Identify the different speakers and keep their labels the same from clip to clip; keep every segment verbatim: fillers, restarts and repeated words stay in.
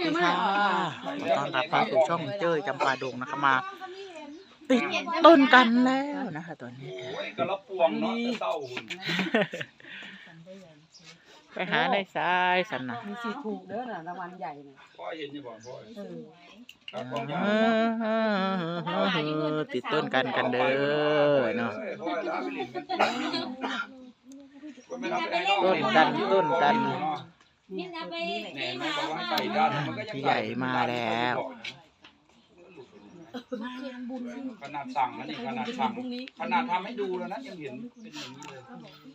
Speaker 1: ดีค่ะขอต้อนรับเข้าสู่ช่องเจ้ยจำปาดงนะคะมาติดต้นกันแล้วนะคะตอนนี้
Speaker 2: กระปวงเนาะเต้าหุ่น
Speaker 1: ไปหาในทรายสันนะ
Speaker 3: มีสีถูกเด้อน่ะรางวัลใหญ่น่ะ
Speaker 2: พ่อเห็นอยู่บ่พ่
Speaker 1: อติดต้นกันกันเด้อเนาะต้นกันต้นกันพี่ใหญ่มาแล้ว
Speaker 2: ขนาดสั่งนะนี่ขนาดสั่งขนาดทำให้ดูแล้วนะยังเห็นเป็นอย่างนี้เลย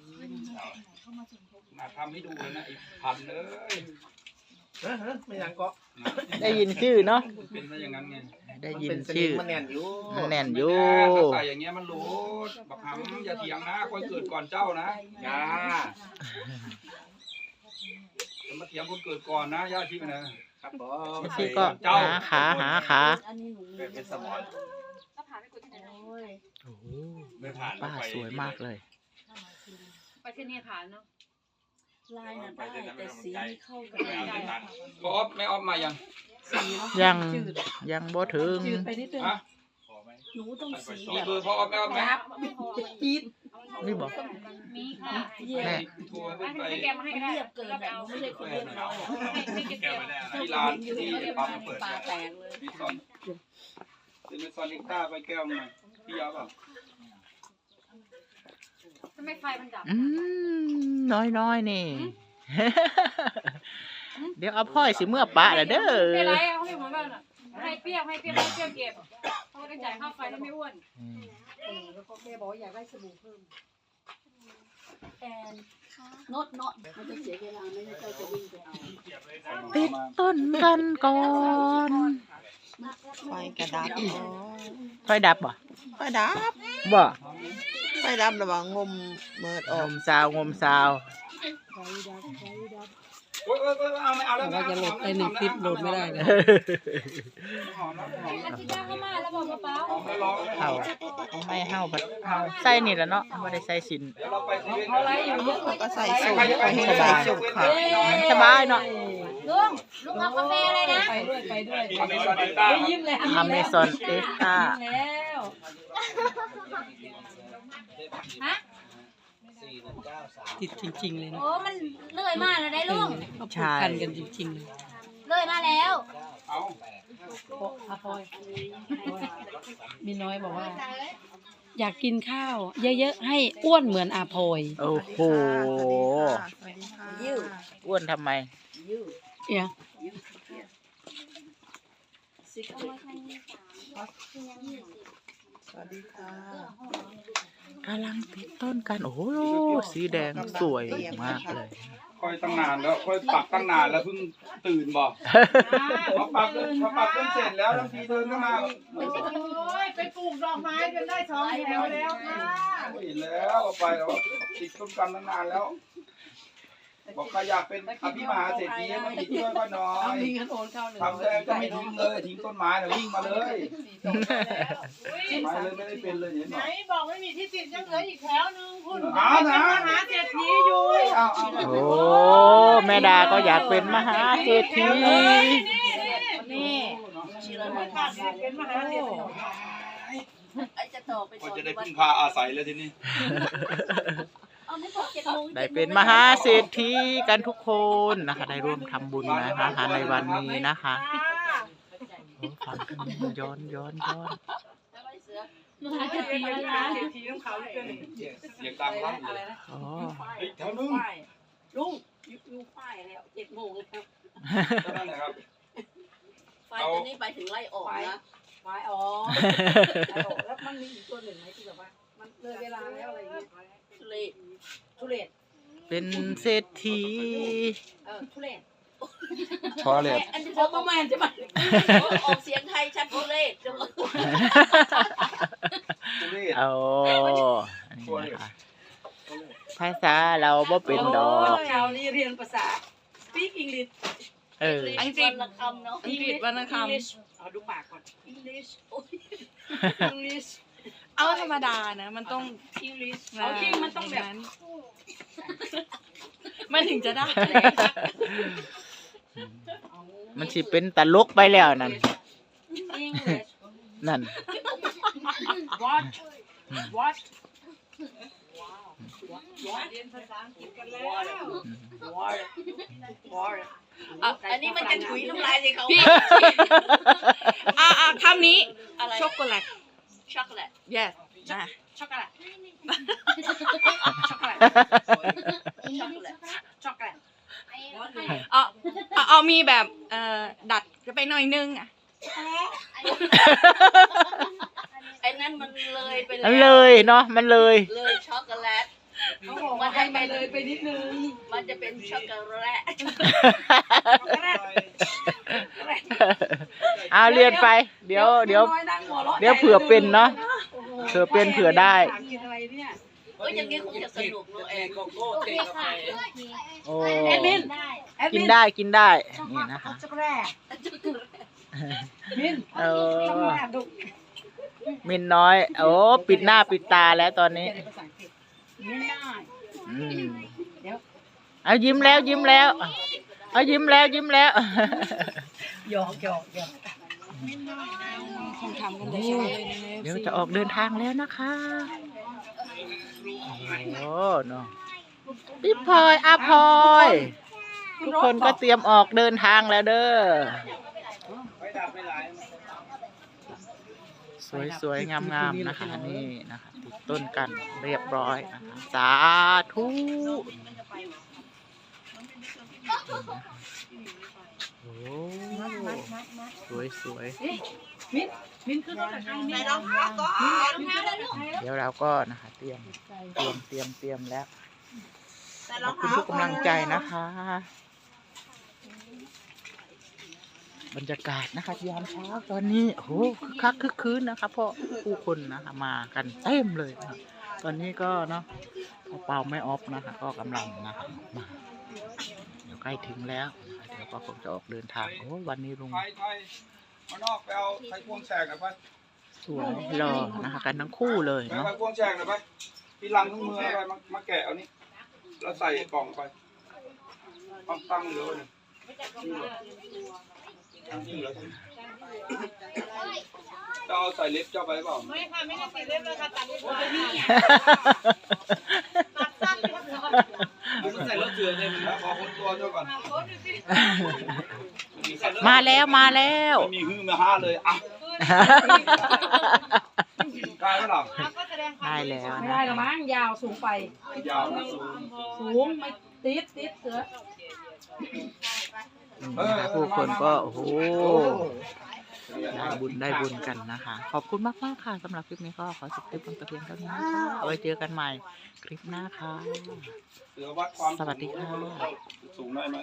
Speaker 2: ขนาดทำให้ดูเลยนะอีกพันเลย
Speaker 4: ไม่ยังก็
Speaker 1: ได้ยินชื่อเนาะ
Speaker 2: เป็นซะอย่างนั้นไง
Speaker 1: ได้ยินชื่อ
Speaker 4: มันแน่นอยู่
Speaker 1: มันแน่นอยู่
Speaker 2: ใส่อย่างเงี้ยมันรู้บักหำอย่าเถียงนะคนเกิดก่อนเจ้านะย่าจะมาเถียงคนเกิดก่อนนะย่าที่ไปนะครับผม
Speaker 1: พี่ก็หาขาหาขา
Speaker 4: เป็นสมอน
Speaker 1: โอ้โหป้าสวยมากเลย
Speaker 5: ไปที่นี่ผ่านเนาะ
Speaker 3: ลายน่ะได้แต่สีไม่เข้ากัน
Speaker 2: พอไม่ออฟมายัง
Speaker 1: ยังยังบ่ถึง
Speaker 3: จืดไปนิดนึงหนูต้องสี
Speaker 2: มีเบอร์พอไม่ออฟไหม
Speaker 3: จี๊ด
Speaker 1: นี่บอก
Speaker 5: มีค่ะ
Speaker 1: แม่
Speaker 5: ให้แกมาให้ได้
Speaker 3: เรียบเกินแบบไม่ใช่คนเรียบร้อย
Speaker 2: ที่ร้านที่ปั๊มเปิด
Speaker 3: ปลาแตกเลย
Speaker 2: พี่ซอนเป็นซอนนิก้าไปแก้วหน่อยพี่ยาวเปล่า
Speaker 5: ทำไมไฟมันดับ
Speaker 1: อืมน้อยน้อยนี่เดี๋ยวเอาพ่อยสิเมื่อปะละเด้อ
Speaker 5: ไม่ไรเขาไม่เหมือนกันอ่ะให้เปรี้ยวให้เปรี้ยวให้เปรี้ยวเก็บเขาได้จ่ายค่าไฟแล้วไม่อ้วน
Speaker 3: แล้วก็แม่บอกอยากได้สบู่เพิ่มแอนนดนดมันจะเสียเวลาไม่ใช่จะวิ่งไปเอา
Speaker 1: ติดต้นกันก่อน
Speaker 3: ไฟกระดับ
Speaker 1: ไฟดับบ่
Speaker 3: ไฟดับ
Speaker 1: บ่
Speaker 3: ไฟดับระวังงมเมิดออก
Speaker 1: งมซาวงมซาว
Speaker 3: ไฟดับไฟดับ
Speaker 2: โอ้ยโอ้ยเอาไม่เอาแล้ว
Speaker 3: เราจะโหลดไปหนึ่งคลิปโหลดไม่ได้เลย
Speaker 5: อาทิตย์หน้าเข้ามาแล้วบอกเปล่า
Speaker 1: เฮาไม่เฮาบัดเฮาใส่นี่แหละเนาะไม่ได้ใส่สิน
Speaker 3: เขาไล่อยู่ก็ใส่สูงไปให้สบายค่ะ
Speaker 1: สบายเนาะ
Speaker 5: ลุงลุงเอากาแฟอะไรนะ
Speaker 3: ไปด้วยไปด้วย
Speaker 2: ยิ้มเลย
Speaker 1: อเมซอนเอ็กซ์ต้า
Speaker 5: แล้วฮะ
Speaker 3: ติดจริงๆเลยนะ
Speaker 5: โอ้มันเลื่อยมากเลยได้ลุง
Speaker 3: เขาผูกพันกันจริงๆเลย
Speaker 5: เลื่อยมาแล้ว
Speaker 2: เอา
Speaker 3: อาพอยมีน้อยบอกว่าอยากกินข้าวเยอะๆให้อ้วนเหมือนอาพอย
Speaker 1: โอ้โหอ้วนทำไม
Speaker 3: เนี่ยสวัสดีค่ะ
Speaker 1: กำลังติดต้นกันโอ้โหสีแดงสวยมากเลย
Speaker 2: ค่อยตั้งนานแล้วค่อยปักตั้งนานแล้วเพิ่งตื่นบอกพอปักพอปักจนเสร็จแล้วบางทีเดินเข้ามา
Speaker 5: โอ้ยไปปลูกดอกไม้จนได้สองแถวแล้วค่ะ
Speaker 2: เห็นแล้วไปแล้วติดต้นกันตั้งนานแล้วบอกใครอยากเป็นอภิมหาเศรษฐีมาติดช่วยก็น้อยทำแล้วก็ไม่ทิ้งเลยทิ้งต้นไม้แล้ววิ่งมาเลยไปเลยไม่ได้เป็นเลยเห็นไหม
Speaker 5: บอกไม่มีที่ติดยังเหลืออีกแถวนึงคุณ
Speaker 2: อ้าวนะ
Speaker 5: มหาเศรษฐีอยู่
Speaker 1: โอ้แม่ดาก็อยากเป็นมหาเศรษฐี
Speaker 5: นี่เป็นมหาเศรษฐี
Speaker 2: ไอ้จะต่อไปก็จะได้พึ่งพาอาศัยแล้วทีนี้
Speaker 1: ได้เป็นมหาเศรษฐีกันทุกคนนะคะได้ร่วมทำบุญนะคะในวันนี้นะคะฟังกันย้อนย้อนย้อน
Speaker 5: มหาเศรษฐีอะไรนะเศรษฐีต้องเขา
Speaker 2: เสียงดังมากเลย
Speaker 3: อ๋อแถวนึงลุงยูป้ายแล้วเจ็ดโมงแล้ว
Speaker 2: นั่นแหละครับ
Speaker 3: ไฟตัวนี้ไปถึงไล่ออกนะไฟออกแล้วมันมีอีกตัวหนึ่งไหมที่แบบว่ามันเลยเวลาแล้วอะไรอย่างเงี้ยทุเรศทุเรศ
Speaker 1: เป็นเศรษฐี
Speaker 3: เออทุเรศ
Speaker 2: พอเลย
Speaker 3: อันนี้เขาประมาณใช่ไหมออกเสียงไทยชัดทุเรศ
Speaker 1: เอาภาษาเราบ่เป็นดอก
Speaker 3: เรานี่เรียนภาษา speak English
Speaker 1: เออ
Speaker 3: อังกฤษวรรณคำเนาะอังกฤษวรรณคำเอาดูปากก่อน English English เอาธรรมดานะมันต้อง English เอาจริงมันต้องแบบมันถึงจะได้
Speaker 1: มันสิเป็นตลกไปแล้วนั่น
Speaker 5: English
Speaker 1: นั่น
Speaker 5: what what
Speaker 3: อ่ะอันนี้มันจะถุยน้ำลายสิเขา
Speaker 5: อ่าอ่าคำนี้
Speaker 3: อะไร
Speaker 5: ช็อกโกแลต
Speaker 3: ช็อกโกแลต
Speaker 5: yes นะช็อกโกแลตช็อกโกแลต
Speaker 3: ช็อกโกแลต
Speaker 5: ช็อกโกแลตเอาเอาเอามีแบบเอ่อดัดจะไปหน่อยนึงอ่ะ
Speaker 3: ไอ้นั่นมันเลยไปแล้ว
Speaker 1: มันเลยเนาะมันเลย
Speaker 3: เลยช็อกโกแลต
Speaker 5: เขาบอกว่าให้มันเลยไปนิดนึง
Speaker 3: มันจะเป็นช็อกโกแลต
Speaker 1: เอาเรียนไป เดี๋ยวเดี๋ยว เดี๋ยวเผื่อเป็นเนาะเผื่อเป็นเผื่อได้
Speaker 3: เอ้ยอย่างนี้คงจะสนุกเนอะเอง
Speaker 4: โกโก้เตะกาแฟ
Speaker 1: โอ้
Speaker 5: แอดมิน
Speaker 1: กินได้กินได้นี่นะคะ
Speaker 5: ช็อกโกแลตมิน
Speaker 1: เออ
Speaker 5: ช็อกโกแลตดุ
Speaker 1: มินน้อย โอ้ปิดหน้าปิดตาแล้วตอนนี้
Speaker 5: มินได้
Speaker 1: อืมเอายิ้มแล้วยิ้มแล้วเอายิ้มแล้วยิ้มแล้ว
Speaker 5: หยอกหยอกหยอกคงทำกันได้ใช่เลยนะ
Speaker 1: เดี๋ยวจะออกเดินทางแล้วนะคะโอ้เนาะพี่พลอยอาพลอยทุกคนก็เตรียมออกเดินทางแล้วเด้อ
Speaker 4: ไม่ดับไม่ไหล
Speaker 1: สวยๆงามๆนะคะนี่นะคะติดต้นกันเรียบร้อยนะคะสาธุโอ้สวยสวย
Speaker 5: มินมินขึ้นรถกับใครมิน
Speaker 3: ใส่รองเท้าก่อน
Speaker 1: เดี๋ยวเราก็นะคะเตรียมเตรียมเตรียมเตรียมแล้ว
Speaker 3: ใส่
Speaker 1: ข
Speaker 3: ร
Speaker 1: อ
Speaker 3: อบ ง
Speaker 1: คุณ
Speaker 3: เท้า
Speaker 1: ทุกกำลังใจนะคะ บรรยากาศนะคะยามเช้าตอนนี้โอ้โหคึกคักคึกคืนนะคะเพราะผู้คนนะคะมากันเต็มเลยนะคะตอนนี้ก็เนาะเป่าไม่ออฟนะคะ ก็กำลังนะคะมาเดี๋ยวใกล้ถึงแล้วนะคะเดี๋ยวก็คงจะออกเดินทางโอ้วันนี้ลุง
Speaker 2: ไทยไทยมานอกไปเอาไทยพวงแสกหน่อยไป
Speaker 1: สวยรอนะคะ กันทั้งคู่เลย
Speaker 2: ไป
Speaker 1: เนาะ
Speaker 2: ไทยพวงแสกหน่อยไปพี่ลังทั้งมืออะไรมามาแกะเอานี่แล้วใส่กล่องไปตั้งตั้งเหลือเลยนี่เหรอตั้งนี่เหรอจะเอาใส่เล็บเจ้าไปเปล่า
Speaker 5: ไม่ค่ะไม่ได้ติดเล่มเลยค่ะตัดไว้นี่
Speaker 4: ใส่รถเถื่อนเลยมัน
Speaker 2: แล้วขอคนตัวเจ้าก่อน
Speaker 1: มาแล้วมาแล้ว
Speaker 2: ไม่มีฮือมาห้าเลยอ่ะกลายแล้วหรอ
Speaker 1: ได้แล้ว
Speaker 5: ไม่
Speaker 1: นะ
Speaker 5: ได้หรอมั้งยาวสูงไป
Speaker 2: ยาวนะสูง
Speaker 5: สูงไม่ติดติดเสือ
Speaker 1: นะคะผู้คนก็โอ้โหได้บุญได้บุญกันนะคะ ขอบคุณมากมากๆค่ะสำหรับคลิปนี้ก็ขอจบคลิปลงแต่เพียงเท่านี้นะคะเอาไว้เจอกันใหม่คลิปหน้าค่ะ
Speaker 2: เสือวัดความ
Speaker 1: สวัสดีค่ะ
Speaker 2: สูงได้ไหม